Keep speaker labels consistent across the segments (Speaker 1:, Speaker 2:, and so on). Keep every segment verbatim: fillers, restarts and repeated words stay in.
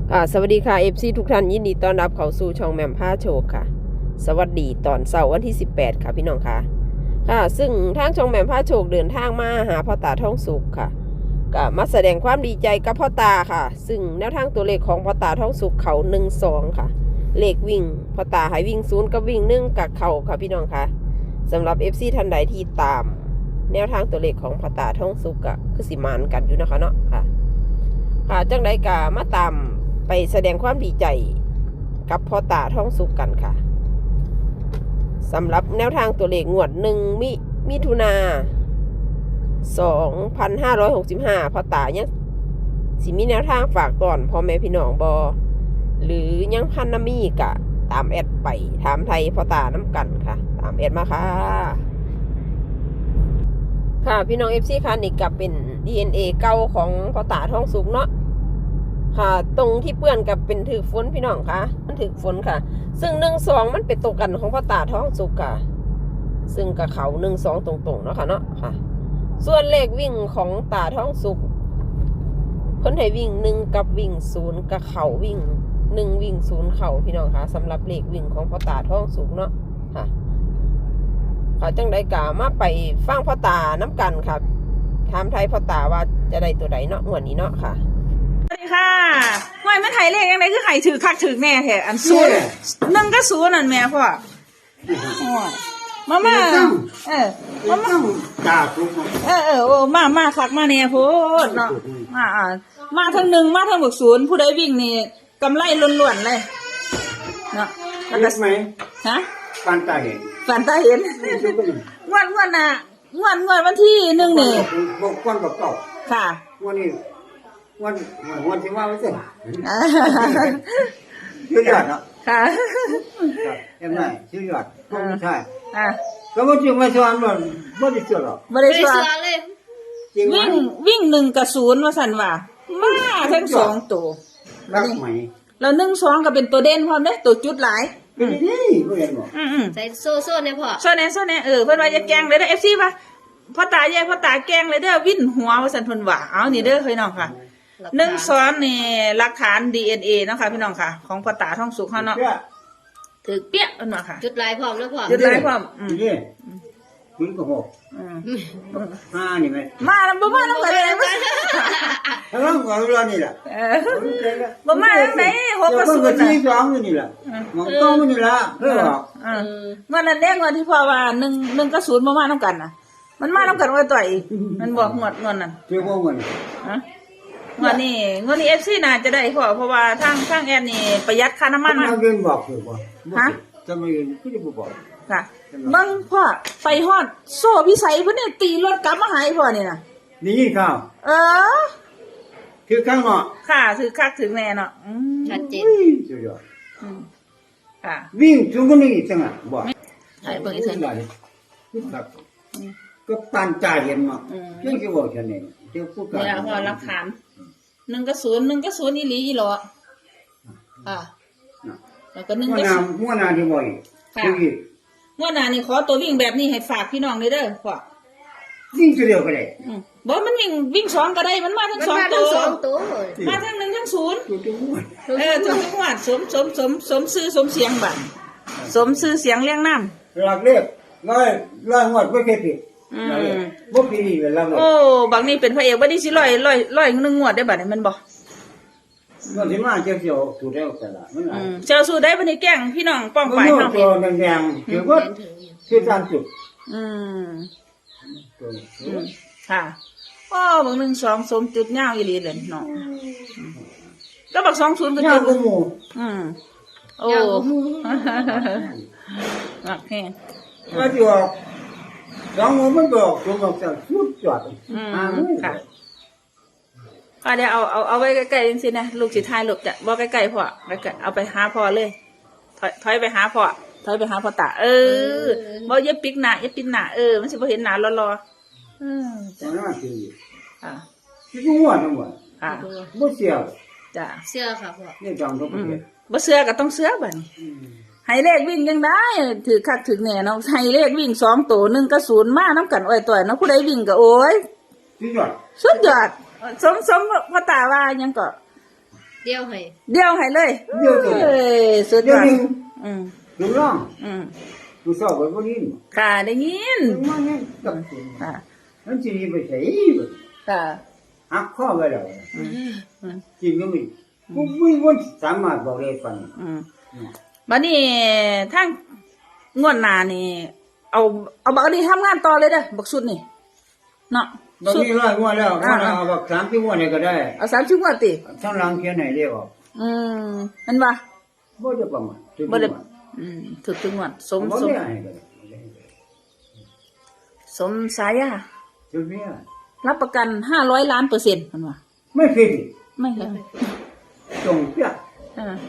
Speaker 1: อ่าสวัสดีค่ะ เอฟ ซี ทุกท่านยินดีต้อนรับเข้าสู่ช่องแหม่มผ้าโชคค่ะสวัสดีตอนเสาร์วันที่สิบแปดค่ะพี่น้องค่ะค่ะซึ่งทางช่องแหม่มผ้าโชคเดินทางมาหาพ่อตาท่องสุขค่ะก็มาแสดงความดีใจกับพ่อตาค่ะซึ่งแนวทางตัวเลขของพ่อตาท่องสุขเขาหนึ่งสองค่ะเลขวิ่งพ่อตาให้วิ่งศูนย์กับวิ่งหนึ่งกับเขาค่ะพี่น้องค่ะสำหรับ เอฟ ซี ท่านใดที่ตามแนวทางตัวเลขของพ่อตาท่องสุขก็คือสิมานกันอยู่นะคะเนาะค่ะค่ะจังใดกามาตามไปแสดงความดีใจกับพ่อตาท่องสุขกันค่ะสำหรับแนวทางตัวเลขงวดหนึ่งมิมิถุนาสองพันห้าร้อยหกสิบห้าพ่อตายังสิมีแนวทางฝากตอนพ่อแม่พี่น้องบอหรือยังพันนามีกะตามแอดไปถามไทยพ่อตาน้ำกันค่ะตามแอดมาค่ะค่ะพี่น้องเอฟซีค่ะนี่กับเป็น ดี เอ็น เอ เก่าของพ่อตาท่องสุขเนาะค่ะตรงที่เปื้อนกับเป็นถือฝนพี่น้องค่ะมันถือฝนค่ะซึ่งหนึ่งสองมันเป็นตรงกันของพ่อตาท้องสุกค่ะซึ่งกับเขาหนึ่งสองตรงๆเนาะค่ะเนาะค่ะส่วนเลขวิ่งของตาท้องสุกเพิ่นให้วิ่งหนึ่งกับวิ่งศูนย์กับเขาวิ่งหนึ่งวิ่งศูนย์เขาพี่น้องค่ะสำหรับเลขวิ่งของพ่อตาท้องสุกเนาะค่ะค่ะจังได้กล่าวมาไปฟังพ่อตาน้ำกันค่ะถามไทยพ่อตาว่าจะได้ตัวใดเนาะงวดนี้เนาะค่ะ
Speaker 2: สวัสดีค่ะห่วยมันไถเลขยังไงคือไข่ถือคักถือแน่แท้อันศูนย์หนึ่งก็ศูนย์นั่นแม่พ่อมามาเออมามา
Speaker 3: จ่าทุก
Speaker 2: เออเออโอ้มามาคักมาแน่โพดเนาะมาอ่ามาทั้งหนึ่งมาทั้งบวกศูนย์ผู้ใดวิ่งนี่กำไรล้วนๆเลยเนาะแล้วก็
Speaker 3: ไหม
Speaker 2: ฮะ
Speaker 3: ปานตาเห็น
Speaker 2: ฝันตาเห็นงวดงวดน่ะงวดงวดวันที่หนึ่งนี่
Speaker 3: บอกก้อนบอกเก่า
Speaker 2: ค่ะ
Speaker 3: วันนี้วันวันที่ว่าไม่ใช่ชื่อยอดเนาะ
Speaker 2: ค่ะ
Speaker 3: เห็นไหมชื่อยอดก็ไม่ใช่
Speaker 2: อ่ะ
Speaker 3: ก็ไม่จริงไม่ชวนมันไม่ได้เชื่อหรอก
Speaker 2: ไม่ได้เชื่อเลยวิ่งวิ่งหนึ่งกับศูนย์ว่าสันว่ามาทั้งสองตัว
Speaker 3: รักไหม
Speaker 2: เราหนึ่งสองก็เป็นตัวเด่นพร้อมเด้ตัวจุดหลาย
Speaker 3: เป็นนี่ไม่เห็นหรอ
Speaker 4: ใส่โซ่โซ่เนี่ยพ่อ
Speaker 2: โซ่เนี่ยโซ่เนี่ยเออเพื่อนว่าจะแกงเลยเด้อเอฟซีป่ะพ่อตาใหญ่พ่อตาแกงเลยเด้อวิ่นหัวว่าสันเพิ่นว่าเอานี่เด้อพี่น้องค่ะหนึ่งซ้อนนี่หลักฐาน ดี เอ็น เอ เนาะค่ะพี่น้องค่ะของพ่อตาท่องสุขเขาเนาะถือเปี้ยเพิ่นว่าค่ะ
Speaker 4: จุดลายพร้อมแล้วพ่อ
Speaker 2: จุดลายพร้อมอืม
Speaker 3: นี่คุณก็หกห้านี่ไหม
Speaker 2: มาแล้วบ่มาแล้วก็ได้มั้ย
Speaker 3: แล้วก็เรานี่แหละ
Speaker 2: เออบ่มาแล้วไหนหกกับศูนย์น่ะ
Speaker 3: ที่สองนี่แหละมันต้องนี่ละเด้อ
Speaker 2: อือวันนั้นแดงวันที่พ่อว่าหนึ่ง หนึ่งกับศูนย์บ่มานำกันน่ะมันมานำกันว่าต่อยมันบอกงวดงวดนั่น
Speaker 3: เจ้าบ่เงิน
Speaker 2: ฮะงวดนี้งวดนี้ เอฟ ซี น่าจะได้พ่อเพราะว่าทางทางแอนนี่ประหยัดค่าน้ำมัน
Speaker 3: มาเงินบอกคือบ่
Speaker 2: ฮะ
Speaker 3: จะไม่เงินคือบ่บอก
Speaker 2: ค่ะบังพ่อไปฮอดโซ่พิสัยเพิ่นเนี่ยตีรถกลับมาหาพ่อนี่น่ะ
Speaker 3: นี่ยินข่าว
Speaker 2: เออ
Speaker 3: คือข้างเนาะ
Speaker 2: ค่ะถือคักถือแน่เนาะอืม
Speaker 4: ชัดเจน
Speaker 3: สุดยอด
Speaker 2: อืมค่ะ
Speaker 3: วิ่งจุงคนนี้จังอ่ะบ่
Speaker 2: ใช่เบิ่งอีซั่น
Speaker 3: ครับก็ปานใจเห็นเนาะเรื่องที่บอกฉันเองเจ้าพูดกัน
Speaker 2: เวลาพ่อหลักฐานหนึ่งกับศูนย์หนึ่งกับศูนย์อีหลีอีหลออ่าแล้วก็หนึ่งกับศูนย์
Speaker 3: มั่วนาที่บ่อย
Speaker 2: ค่ะมั่วนานี่ขอตัววิ่งแบบนี้ให้ฝากพี่น้องเลยเด้อพ่อ
Speaker 3: วิ่งเดียวก็ได้
Speaker 2: บ่มันวิ่งวิ่งสองก็ได้มันมาทั้งสองตัวมาทั้งหนึ่งทั้งศูนย์เออทุกจังหวัดสมสมสมสมชื่อสมเสียงบัดสมชื่อเสียงเลี้ยงน้
Speaker 3: ำหลักเรียกร้อยร้อยหมดไม่เคยผิดบ่ปีนี้เป็นแล้ว
Speaker 2: โอ้บางนี่เป็นพระเอกบัดนี้สิร้อยร้อยร้อยหนึ่งงวดได้บัดนี้มันบ่
Speaker 3: มันสิมาเจ้าเสี่ยวสู้ได้แต่ละมัน
Speaker 2: อืมเจ้าสู้ได้บัดนี้แกล้งพี่น้องป้องไปเนาะ
Speaker 3: ตัวแดงๆคือว่าคือการจุด
Speaker 2: อืมค่ะอ๋อบางหนึ่งสองสมจุดยาวอีหลีเลยเนาะก็บักสองศูนย์ก็จุดอืมโอ้โอเค
Speaker 3: ก็จะสองมันบอกตัวบอกจะสุดยอด
Speaker 2: อืมค่ะก็เดี๋ยวเอาเอาเอาไว้ใกล้ๆจริงๆนะลูกสิทายลูกจะบอกใกล้ๆพ่อใกล้ๆเอาไปหาพ่อเลยถอยถอยไปหาพ่อถอยไปหาพ่อตาเออบ่อย่าปิกหน้าอย่าปิดหน้าเออมันสิบ่เห็นหน้ารอๆอืม
Speaker 3: จ้ะ
Speaker 2: ค่ะ
Speaker 3: สิกูว่าทั้งหมด
Speaker 2: ค่ะ
Speaker 3: บ่เชื่อ
Speaker 2: จ้ะ
Speaker 4: เชื่อค่ะพ่อ
Speaker 3: นี่จังทุกประเทศ
Speaker 2: บ่เชื่อก็ต้องเชื่อบัดนี้ให้เลขวิ่งยังได้ถือคักถือแน่เนาะให้เลขวิ่งสองตัวหนึ่งกับศูนย์มาน้ำกันอ้อยต่อยเนาะผู้ใดวิ่งก็โอ้ย
Speaker 3: สุดยอด
Speaker 2: สุดยอดสมสมพ่อตาว่ายังก็
Speaker 4: ดเดียวให้
Speaker 2: เดียวให้เลย
Speaker 3: เดียวตัว
Speaker 2: เอ้ยสุด
Speaker 3: เดี๋
Speaker 2: ย
Speaker 3: ยว
Speaker 2: อด
Speaker 3: นี้
Speaker 2: อืม
Speaker 3: ลุงร้อง
Speaker 2: อืม
Speaker 3: ลุงสอบไว้บ่นี้
Speaker 2: ค่ะได้ยิน
Speaker 3: มาเนี่ยกับคุณ
Speaker 2: ค่ะ
Speaker 3: มันสิไปใส่
Speaker 2: ค่ะ
Speaker 3: หักข้อไว้แล้ว
Speaker 2: อืมอืม
Speaker 3: จริงก็มีบ่มีวันสามารถบอกได้ปานนี้
Speaker 2: อืมบัดนี้ทั้งงวดหน้านี่ เอาเอาบักอันนี้ทำงานต่อเลยเด้อบักสุดนี่เนาะ
Speaker 3: บ่
Speaker 2: สุด
Speaker 3: มีร้อยงวดแล้วว่าเอาบักสามสิบงวดนี่ก็ได้
Speaker 2: เอาสามสิบงวดติ
Speaker 3: ทั้งหลังเขียนให้เรียกออก
Speaker 2: อืมมันว่า
Speaker 3: บ่ได้ประมาณถึง
Speaker 2: บ่ได้
Speaker 3: ประมาณ
Speaker 2: อืมถูกถึงงวดสม
Speaker 3: บ่
Speaker 2: สม
Speaker 3: ได้ให้ก็ได้
Speaker 2: สมสายา
Speaker 3: ถึงเนี่ย
Speaker 2: รับประกันห้าร้อยล้านเปอร์เซ็นต์มันว่า
Speaker 3: ไม่ผิด
Speaker 2: ไม่เลย
Speaker 3: ตรงเปี้ย
Speaker 2: อ่า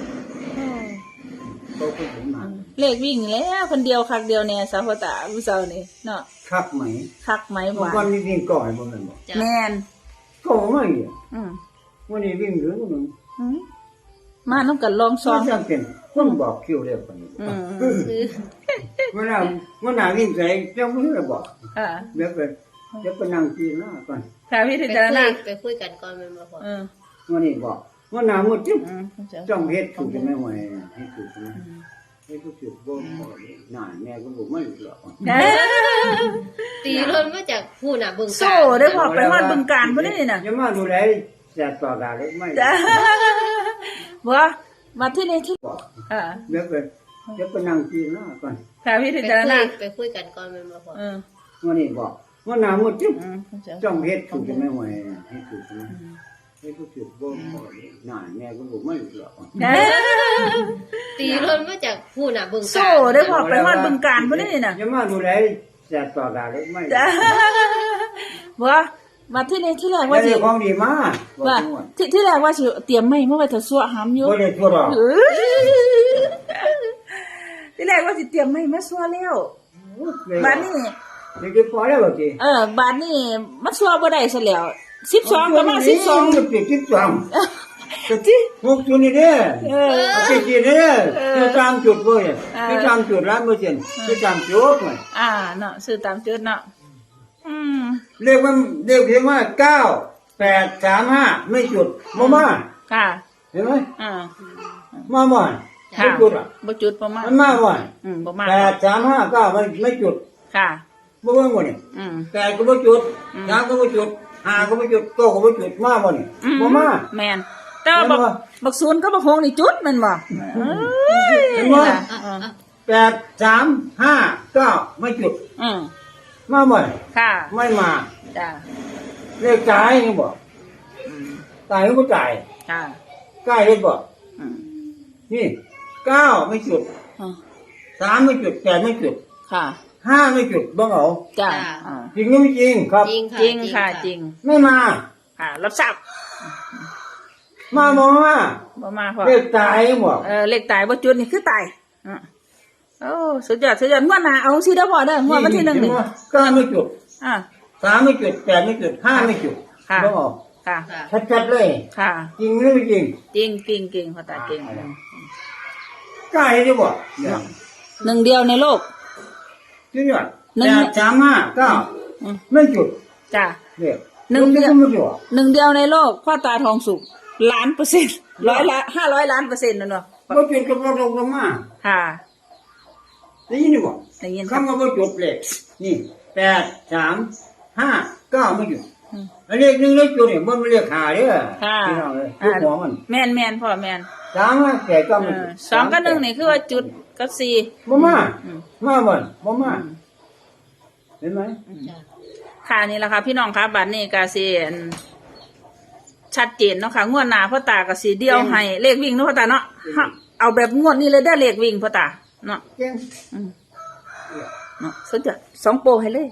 Speaker 3: เขาก็ถึงมา
Speaker 2: เลขวิ่งแล้วคนเดียวคักเดียวเนี่ยสาวพ่อตาผู้สาวนี่เนาะ
Speaker 3: คักไหม
Speaker 2: คักไหมห
Speaker 3: บาง
Speaker 2: วา
Speaker 3: วัน
Speaker 2: น
Speaker 3: นี้วิ่งก่อนบ่แม่นบ่
Speaker 4: จ้ะ
Speaker 2: แมน
Speaker 3: ก็ไม่อ่ะ
Speaker 2: อืม
Speaker 3: วันนี้วิ่งเหลือนึง
Speaker 2: อืมมาน้ำกันลองซ
Speaker 3: ซ้อ
Speaker 2: อง ง
Speaker 3: จำเป็นคนบอกคิวเรียกปานนี้
Speaker 2: อืม
Speaker 3: เวลาเมื่อหน้าวิ่งใส่เจ้ามือเลยบอก
Speaker 2: อ่า
Speaker 3: เดี๋ยวไปเดี๋ยวไปนั่งกินหน้าก่อน
Speaker 2: ค่ะพี่
Speaker 4: ไป
Speaker 2: ถึง
Speaker 4: คุ
Speaker 2: จะ
Speaker 4: ย
Speaker 2: นะ
Speaker 4: ไปคุยกันก่อนแม่นบ่พ่อ
Speaker 2: เออ
Speaker 3: วันนี้บอกเมื่อหน้ามืดจิ๊บ
Speaker 2: อืม
Speaker 3: จ้องเฮ็ดถูกจะไม่ไหวให้ถูกใช่ไหมให้ถูกถูกบ่บ่หน้าแม่ก็บอกไม่หรอก
Speaker 2: เอ้ย
Speaker 4: ตีรถมาจากผู้น่ะเบิ่ง
Speaker 2: โซ่ได้พอไปฮอดบึงการบ่ได้นี่น่ะ
Speaker 3: จะมาดูแลจัดต่อการเลยไม่
Speaker 2: จ้าบ่มาที่นี่ที่
Speaker 3: บอก
Speaker 2: อ่า
Speaker 3: เดี๋ยวไปเดี๋ยวไปนั่งกินหน้าก่อน
Speaker 2: ค่ะพี่
Speaker 4: ไป
Speaker 2: ถึง
Speaker 4: คุ
Speaker 2: จะ
Speaker 4: ย
Speaker 2: นะ
Speaker 4: ไปคุยกันก่อนแม่นบ่พ่อ
Speaker 2: เออ
Speaker 3: วันนี้บอกเมื่อหน้ามืดจิ๊บ
Speaker 2: อืม
Speaker 3: จ้องเฮ็ดถูกจะไม่ไหวให้ถูกใช่ไหมให้ถูกถูกบ่บ่หน้าแม่ก็บอกไม่หรอก
Speaker 2: เอ้ย
Speaker 4: ตีรถมาจากผู้น่ะเบิ่ง
Speaker 2: โซ่ได้พอไปฮอดบึงการบ่ได้นี่น่ะ
Speaker 3: จะมาดูแลจัดต่อการเลยไม่
Speaker 2: จ้าบ่มาที่นี่ที่แรก
Speaker 3: ว่า
Speaker 2: ว่า
Speaker 3: สิ
Speaker 2: สิ
Speaker 3: ของดีมา
Speaker 2: ว่าที่ที่แรกว่าสิเตรียมไม่เมื่อไว้ถ้าสั่วหำอยู่
Speaker 3: บ่ได้ทั่วดอก
Speaker 2: เอ้ยที่แรกว่าสิเตรียมไม่มาสั่วแล้วบ้านนี้
Speaker 3: นี่คือพอแล้วบ่ติ
Speaker 2: เออบ้านนี้มันสั่วบ่ได้ซะแล้วสิบสองก็มาสิบสอง
Speaker 3: ก็ติดสิบสองก็ติหกจุดนี่เด้อ
Speaker 2: เออ
Speaker 3: เอาไปกินเด้อคือตามจุดบ่เนี่ยคือตามจุดร้านบ่เช่นคือตามจุดไว้
Speaker 2: อ่าเนาะซื้อตามจุดเนาะอืม
Speaker 3: เรียกว่าเรียกเพียงว่าเก้า แปด สาม ห้าไม่จุดบ่มา
Speaker 2: ค่ะ
Speaker 3: เห็นไหม
Speaker 2: อ่า
Speaker 3: มาบ่
Speaker 2: ค่ะ
Speaker 3: ไม่จุดอ่ะ
Speaker 2: บ่จุดประมาณ
Speaker 3: มันมาบ่
Speaker 2: อืมประมาณ
Speaker 3: แปด สาม ห้า เก้ามันไม่จุด
Speaker 2: ค่ะ
Speaker 3: บ่เบิ่งบ่นี่
Speaker 2: อืม
Speaker 3: แปดก็บ่จุด
Speaker 2: อืม
Speaker 3: สามก็บ่จุดห้าก็บ่จุดเก้าก็บ่จุดมาบ่นี่
Speaker 2: อื
Speaker 3: บ่มา
Speaker 2: แม่นแต่ว่าบัก
Speaker 3: แม่นบ่
Speaker 2: บักศูนย์ก็บักหงนี่จุดแม่นบ่เอ้ย
Speaker 3: เห็นบ่
Speaker 2: ล่ะ
Speaker 4: อ่ะ
Speaker 2: อ่า
Speaker 4: อ่ะ
Speaker 3: แปด สาม ห้า เก้าไม่จุด
Speaker 2: อืม
Speaker 3: มาบ่
Speaker 2: ค่ะ
Speaker 3: ไม่มา
Speaker 2: จ้า
Speaker 3: เลขจ่ายยังบ่
Speaker 2: อืม
Speaker 3: ตายก็บ่จ่าย
Speaker 2: ค่ะ
Speaker 3: ใกล้เลขบ่
Speaker 2: อืม
Speaker 3: นี่เก้าไม่จุด
Speaker 2: อ่า
Speaker 3: สามไม่จุดแปดไม่จุด
Speaker 2: ค่ะ
Speaker 3: ห้าไม่จุดบ่เอา
Speaker 2: จ้า
Speaker 4: จ้า
Speaker 2: อ่า
Speaker 3: จริงหรือไม่จริงครับ
Speaker 4: จริงค่ะ
Speaker 2: จริงค่ะจริง
Speaker 3: ไม่มา
Speaker 2: ค่ะ รับทราบ
Speaker 3: มาบ่มา
Speaker 2: บ่มาพอ
Speaker 3: เลขตายยังบ่
Speaker 2: เออเลขตายบ่จุดนี่คือตายอ่ะโอ้สุดยอดสุดยอดงวดหน้าเอาสิเด้อพ่อเด้องวดวันที่หนึ่งนี่
Speaker 3: เก้าไม่จุด
Speaker 2: อ่า
Speaker 3: สามไม่จุดแปดไม่จุดห้าไม่จุด
Speaker 2: ค่ะ
Speaker 3: บ่เอา
Speaker 2: ค่ะ
Speaker 4: ค่ะ
Speaker 3: ชัดๆเลย
Speaker 2: ค่ะ
Speaker 3: จริงหรือไม่จริง
Speaker 2: จริงจริงจริงพ่อตาจริง
Speaker 3: กล้าเห็นได้บ่เนี่ย
Speaker 2: หนึ่งเดียวในโลก
Speaker 3: จริงอ่ะ
Speaker 2: หนึ่
Speaker 3: แป
Speaker 2: ง
Speaker 3: ดสามห้าเก้า
Speaker 2: อืม
Speaker 3: ไม่จุด
Speaker 2: จ้า
Speaker 3: เนี่ย
Speaker 2: หนึ่งเดียว
Speaker 3: ไม่จุด
Speaker 2: หนึ่งเดียวในโลกพ่อตาทองสุกล้านเปอร์เซ็นต์ร้อยละห้าร้อยล้านเปอร์เซ็นต์นั่นเนาะ
Speaker 3: บ่จุดก็บ่ลงมา
Speaker 2: ค่ะ
Speaker 3: ได้ยินบ่
Speaker 2: ได้ยินครับ
Speaker 3: คำว่าบ่จุดเลยนี่แปด สาม ห้า เก้าไม่จุด
Speaker 2: อืม
Speaker 3: อันเลขหนึ่งเลขจุดเนี่ยมันไม่เรียกหาเด้อ
Speaker 2: ค่ะ
Speaker 3: พี่น้องเลยลูกหัวมัน
Speaker 2: แม่นแม่นพ่อแม่น
Speaker 3: สามห้าแปดเก้า
Speaker 2: เอ
Speaker 3: มัน
Speaker 2: อสองกับหนึ่งนี่คือว่าจุดกับสี่
Speaker 3: บ่มา
Speaker 2: อืม
Speaker 3: มาบ่นบ่มาเห็นไหม
Speaker 4: จ้ะ
Speaker 2: ค่ะนี่แหละค่ะพี่น้องคะบัดนี้ก็สิอั่นชัดเจนเนาะค่ะงวดหน้าพ่อตาก็สิเดียวให้เลขวิ่งเนาะพ่อตาเนาะฮะเอาแบบงวดนี้เลยได้อเลขวิ่งพ่อตาเนาะ
Speaker 3: เก่ง
Speaker 2: อืมเนาะสุดยอดสองโปรให้เลย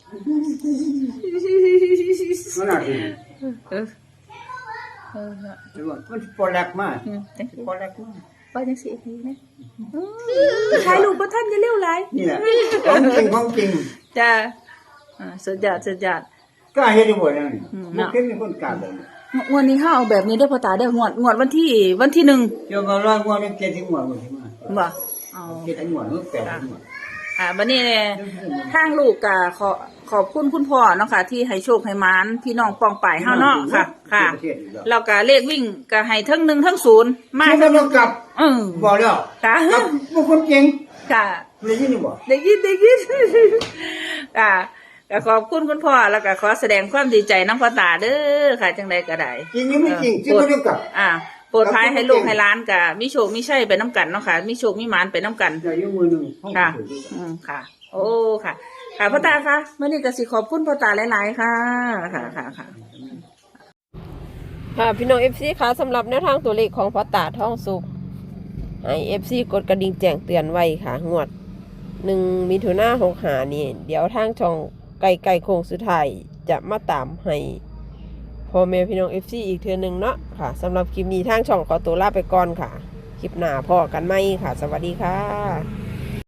Speaker 3: มันน่าดี
Speaker 2: เออเออ
Speaker 3: เห็นบ่มันปอแลกมาก
Speaker 2: อืมจังสิ
Speaker 3: ปอแลกมาก
Speaker 2: ว่าจังสิอีกทีนะอืมถ่ายรูปบ่ทันจะเร็วหลาย
Speaker 3: นี่แหละของจริงของจริง
Speaker 2: จ้าอ่าสุดยอดสุดยอด
Speaker 3: กล้าเฮ็ดได้บ่เนี่ย
Speaker 2: อืม
Speaker 3: บ่เคยมีคนกล้าบ่
Speaker 2: งวดนี้เฮาเอาแบบนี้เด้อพ่อตาเด้องวดงวดวันที่วันที่หนึ่ง
Speaker 3: เดี๋ยวก็ร้อยกว่านี่เจ็ดถึงหัวบ่สิมา
Speaker 2: บ่เอา
Speaker 3: เจ็ดถึงหัวหรือแปดถึงหัว
Speaker 2: อ่าวันนี้เนี่ยทางลูกก็ขอขอบคุณคุณพ่อเนาะค่ะที่ให้โชคให้หมานพี่น้องปองป่ายเฮาเนาะค่ะ ค่ะแล้วก็เลขวิ่งก็ให้ทั้งหนึ่งทั้งศูนย์มา
Speaker 3: ไม่ต้องกลับ
Speaker 2: เออ
Speaker 3: บอกแล้ว
Speaker 2: ค่ะ
Speaker 3: กลับบุคคลเก่ง
Speaker 2: ค่ะ
Speaker 3: เลยยินดีบ่
Speaker 2: ได้ยินได้ยิน ค่ะก็ขอบคุณคุณพ่อแล้วก็ขอแสดงความดีใจน้ำพ่อตาเด้อค่ะจังใดก็ได้
Speaker 3: จริงหรือไม่จริงที่ไม่ต้องกลับ
Speaker 2: อ่าโปรดท้ายให้ลูกให้ร้านกับมิโชคมิใช่ไปน้ำกันเนาะค่ะมิโชคมิหมานไปน้ำกัน
Speaker 3: อย่ายุ่งมือหนึ่งห้อง
Speaker 2: ค่ะ
Speaker 3: สวยด้วย
Speaker 2: อืมค่ะ โอ้ค่ะ ค่ะพ่อตาคะเมื่อนี้ก็สิขอบคุณพ่อตาหลายๆค่ะ ค่ะค่ะค่ะ
Speaker 1: ค่ะพี่น้อง เอฟ ซี ค่ะสำหรับแนวทางตัวเลขของพ่อตาท่องสุขให้ เอฟ ซี กดกระดิ่งแจ้งเตือนไว้ค่ะงวดหนึ่งมิถุนาหกหานี่เดี๋ยวทางช่องไก่ไก่โค้งสุดท้ายจะมาตามให้พ่อแม่พี่น้อง เอฟ ซี อีกเทื่อหนึงเนาะค่ะสำหรับคลิปนี้ทางช่องขอตัวลาไปก่อนค่ะ คลิปหน้าพ่อกันไหมค่ะ สวัสดีค่ะ